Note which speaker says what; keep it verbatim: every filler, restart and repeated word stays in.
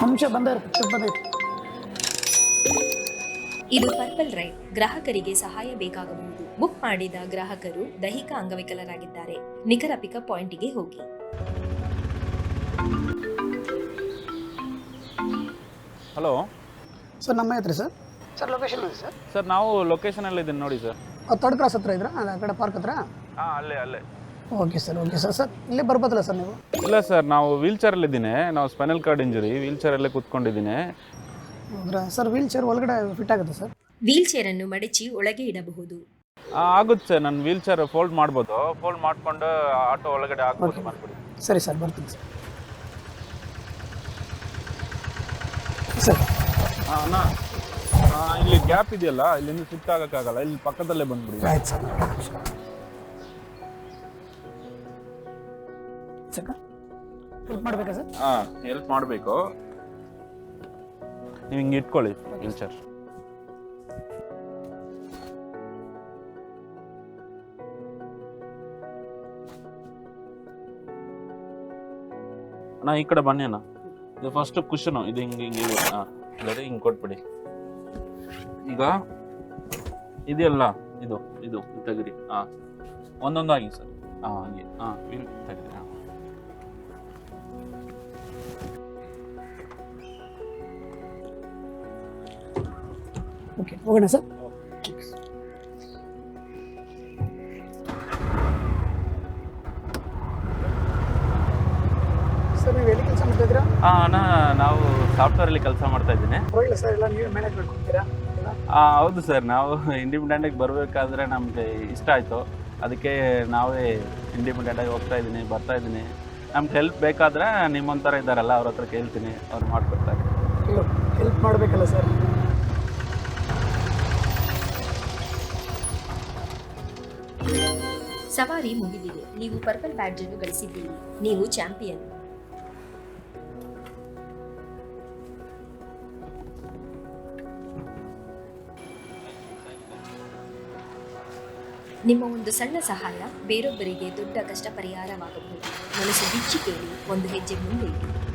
Speaker 1: ನಿಮಿಷ ಬಂದ ಬಂದೈತೆ.
Speaker 2: ಇದು ಪರ್ಪಲ್ ರೈಡ್. ಗ್ರಾಹಕರಿಗೆ ಸಹಾಯ ಬೇಕಾಗಬಹುದು. ಬುಕ್ ಮಾಡಿದ ಗ್ರಾಹಕರು ದೈಹಿಕ ಅಂಗವಿಕಲರಾಗಿದ್ದಾರೆ. ನಿಖರ ಪಿಕಪ್ ಪಾಯಿಂಟ್ಗೆ ಹೋಗಿ.
Speaker 3: ಹಲೋ
Speaker 1: ಸರ್, ನಮ್ಮ ಹತ್ರ ಸರ್ ಸರ್ ಲೊಕೇಶನ್ ಇದೆ ಸರ್.
Speaker 3: ಸರ್ ನಾವು ಲೊಕೇಶನಲ್ಲಿ ಇದ್ದೀನಿ ನೋಡಿ ಸರ್.
Speaker 1: ತರ್ಡ್ ಕ್ರಾಸ್ ಹತ್ರ ಇದ್ರಾ? ಆ ಕಡೆ ಪಾರ್ಕ್ ಹತ್ರ?
Speaker 3: ಹಾಂ ಅಲ್ಲೇ ಅಲ್ಲೇ.
Speaker 1: Okay sir, okay sir. Sir ಇಲ್ಲೇ ಬರ್ಬೋದಲ್ಲ ಸರ್ ನೀವು?
Speaker 3: ಇಲ್ಲ ಸರ್, ನಾವು ವೀಲ್ ಚೇರಲ್ಲಿದ್ದೀನಿ. ನಾವು ಸ್ಪೈನಲ್ ಕಾರ್ಡ್ ಇಂಜುರಿ, ವೀಲ್ ಚೇರಲ್ಲೇ ಕೂತ್ಕೊಂಡಿದ್ದೀನಿ.
Speaker 1: ಹೌದ್ರಾ ಸರ್? ವೀಲ್ ಚೇರ್ ಒಳಗಡೆ ಫಿಟ್ ಆಗುತ್ತೆ ಸರ್?
Speaker 2: ವೀಲ್ ಚೇರ್ ಅನ್ನು ಮಡಚಿ ಒಳಗೆ ಇಡಬಹುದು.
Speaker 3: ಹಾಂ ಆಗುತ್ತೆ ಸರ್. ನನ್ನ ವೀಲ್ ಚೇರ್ ಫೋಲ್ಡ್ ಮಾಡ್ಬೋದು. ಫೋಲ್ಡ್ ಮಾಡಿಕೊಂಡು ಆಟೋ ಒಳಗಡೆ ಹಾಕ್ಬೋದು. ಮಾಡ್ಬಿಡಿ.
Speaker 1: ಸರಿ ಸರ್, ಬರ್ತೀನಿ ಸರ್. ಸರ್
Speaker 3: ಹಾಂ ಅಣ್ಣ, ಇಲ್ಲಿ ಗ್ಯಾಪ್ ಇದೆಯಲ್ಲ, ಇಲ್ಲಿಂದ ಶಿಫ್ಟ್ ಆಗೋಕ್ಕಾಗಲ್ಲ. ಇಲ್ಲಿ ಪಕ್ಕದಲ್ಲೇ ಬಂದ್ಬಿಡಿ.
Speaker 1: ಆಯ್ತು ಸರ್. ಸರ್ ಹೆಲ್ಪ್ ಮಾಡಬೇಕಾ ಸರ್?
Speaker 3: ಹಾಂ ಹೆಲ್ಪ್ ಮಾಡಬೇಕು. ನೀವು ಹಿಂಗೆ ಇಟ್ಕೊಳ್ಳಿ ವೀಲ್ ಚೇರ್. ಅಣ್ಣ ಈ ಕಡೆ ಬನ್ನಿ ಅಣ್ಣ. ಇದು ಫಸ್ಟ್ ಕುಷನು, ಇದು ಹಿಂಗೆ ಹಿಂಗೆ ಇದೆ. ಹಾಂ ಅದೇ ಹಿಂಗೆ ಕೊಟ್ಬಿಡಿ. ಈಗ ಇದೆಯಲ್ಲ, ಇದು ಇದು ತೆಗಿರಿ. ಹಾಂ ಒಂದೊಂದಾಗಿ ಸರ್. ಹಾಂ ಹಾಗೆ. ಹಾಂ ವೀಲ್ ತೆಗಿರಿ. ಹಾಂ
Speaker 1: ಓಕೆ, ಹೋಗೋಣ ಸರ್. ಸರ್ ನೀವು ಎಲ್ಲಿ ಕೆಲಸ ಮಾಡ್ತಾಯಿದ್ದೀರಾ?
Speaker 3: ಹಾಂ ಅಣ್ಣ, ನಾವು ಸಾಫ್ಟ್ವೇರಲ್ಲಿ ಕೆಲಸ ಮಾಡ್ತಾ ಇದ್ದೀನಿ.
Speaker 1: ಪರವಾಗಿಲ್ಲ ಸರ್, ಎಲ್ಲ ನೀವೇ ಮ್ಯಾನೇಜ್ ಮಾಡ್ಕೊತೀರಾ?
Speaker 3: ಹಾಂ ಹೌದು ಸರ್. ನಾವು ಇಂಡಿಪೆಂಡೆಂಟಾಗಿ ಬರಬೇಕಾದ್ರೆ ನಮಗೆ ಇಷ್ಟ ಆಯಿತು. ಅದಕ್ಕೆ ನಾವೇ ಇಂಡಿಪೆಂಡೆಂಟಾಗಿ ಹೋಗ್ತಾ ಇದ್ದೀನಿ, ಬರ್ತಾ ಇದ್ದೀನಿ. ನಮ್ಗೆ ಹೆಲ್ಪ್ ಬೇಕಾದರೆ ನಿಮ್ಮೊಂಥರ ಇದ್ದಾರಲ್ಲ, ಅವ್ರ ಹತ್ರ ಕೇಳ್ತೀನಿ, ಅವ್ರು ಮಾಡಿಕೊಡ್ತಾರೆ.
Speaker 1: ಇಲ್ಲ, ಹೆಲ್ಪ್ ಮಾಡಬೇಕಲ್ಲ ಸರ್.
Speaker 2: ಸವಾರಿ ಮುಗಿದಿದೆ. ನೀವು ಪರ್ಪಲ್ ಬ್ಯಾಡ್ಜ್ ಅನ್ನು ಗಳಿಸಿದ್ದೀರಿ. ನೀವು ಚಾಂಪಿಯನ್. ನಿಮ್ಮ ಒಂದು ಸಣ್ಣ ಸಹಾಯ ಬೇರೊಬ್ಬರಿಗೆ ದೊಡ್ಡ ಕಷ್ಟ ಪರಿಹಾರವಾಗಬಹುದು. ಮನಸ್ಸು ಬಿಚ್ಚಿ ಕೇಳಿ, ಒಂದು ಹೆಜ್ಜೆ ಮುಂದೆ ಇಡಿ.